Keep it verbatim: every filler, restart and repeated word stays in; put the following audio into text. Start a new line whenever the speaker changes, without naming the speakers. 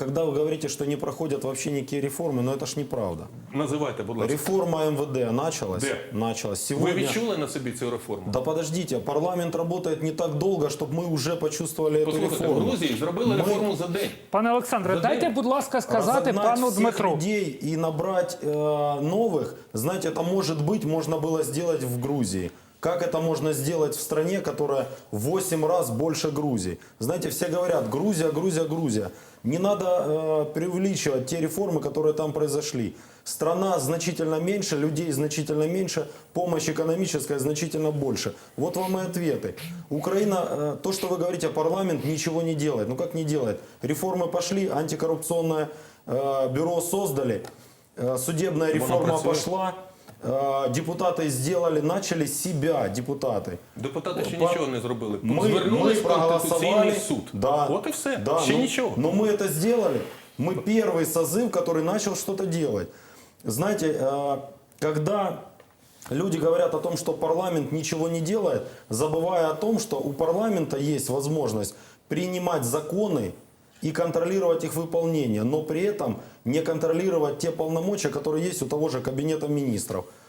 когда вы говорите, что не проходят вообще никакие реформы, но это ж неправда.
Називайте, будь ласка.
Реформа эм вэ дэ началась.
Де?
Началась.
Ви
Сегодня...
відчули на собі цю реформу?
Да подождите, парламент работает не так долго, чтобы мы уже почувствовали эту
Послухайте, в
реформу.
Грузії зробили
Ми-
реформу за день.
Пане Олександре,
За
дайте,
день.
будь ласка, сказати
Разогнать
пану
всех
Дмитру.
людей и набрать э, новых, знаете, это может быть, можно было сделать в Грузии. Как это можно сделать в стране, которая в восемь раз больше Грузии? Знаете, все говорят, Грузия, Грузия, Грузия. Не надо э, преувеличивать те реформы, которые там произошли. Страна значительно меньше, людей значительно меньше, помощь экономическая значительно больше. Вот вам и ответы. Украина, э, то, что вы говорите, парламент ничего не делает. Ну как не делает? Реформы пошли, антикоррупционное э, бюро создали, э, судебная реформа
працює.
пошла. Э, Депутаты сделали, начали с себя, депутаты.
Депутати ще
По-
нічого не зробили.
Мы,
Звернулись
мы
в Конституційний
проголосовали.
суд.
Да,
От і все.
да,
ще
но,
нічого.
Но мы это сделали. Мы первый созыв, который начал что-то делать. Знаете, э, когда люди говорят о том, что парламент ничего не делает, забывая о том, что у парламента есть возможность принимать законы и контролировать их выполнение, но при этом не контролировать те полномочия, которые есть у того же Кабинета министров.